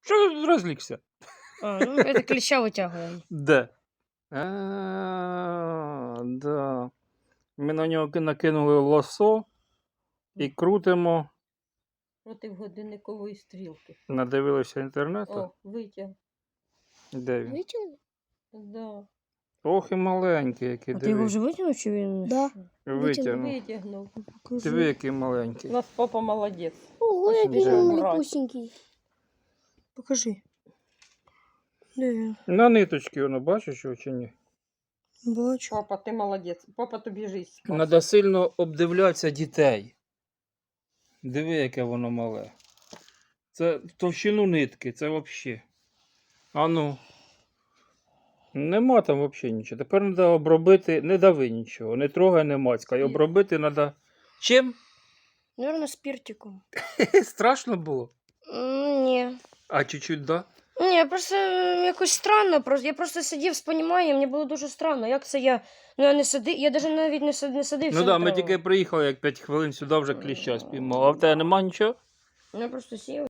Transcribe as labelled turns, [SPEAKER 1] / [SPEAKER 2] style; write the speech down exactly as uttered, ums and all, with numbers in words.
[SPEAKER 1] Що ти розлігся?
[SPEAKER 2] А, ну, это клеща витягуємо.
[SPEAKER 1] Де? А, да. Ми на нього накинули лосо і крутимо.
[SPEAKER 3] Проти годинникової стрілки.
[SPEAKER 1] Надивилися інтернету.
[SPEAKER 3] О, витяг.
[SPEAKER 1] Де він?
[SPEAKER 2] Витягнув?
[SPEAKER 3] Да.
[SPEAKER 1] Ох і маленький, який,
[SPEAKER 2] А ти його
[SPEAKER 1] диви.
[SPEAKER 2] вже витягнув чи він?
[SPEAKER 4] Да.
[SPEAKER 1] Витягнув.
[SPEAKER 3] Витягнув.
[SPEAKER 1] Диви, який маленький.
[SPEAKER 3] У нас папа молодець.
[SPEAKER 4] Ого, який
[SPEAKER 1] Да.
[SPEAKER 4] він
[SPEAKER 3] Брать.
[SPEAKER 4] малюсенький.
[SPEAKER 2] Покажи. Де він?
[SPEAKER 1] На ниточки воно, бачиш його чи ні?
[SPEAKER 2] Бачу.
[SPEAKER 3] Папа, ти молодець. Папа тобі жизнь спас.
[SPEAKER 1] Треба сильно обдивлятися дітей. Диви, яке воно мале. Це в товщину нитки, це взагалі. А ну. Нема там взагалі нічого. Тепер треба обробити, не дави нічого, не трогай, не мацькай. Обробити треба. Чим?
[SPEAKER 2] Наверно, спіртиком.
[SPEAKER 1] Страшно було?
[SPEAKER 2] М, Ні.
[SPEAKER 1] А чуть-чуть, да?
[SPEAKER 2] Ні, просто е, якось странно. Просто, я просто сидів з поніманням, мені було дуже странно. Як це я. Ну я не сидив, я навіть навіть не сидив, не сидив.
[SPEAKER 1] Ну так, да, ми тільки приїхали, як п'ять хвилин сюди вже кліща спіймали. А в тебе нема нічого?
[SPEAKER 2] Я просто сів.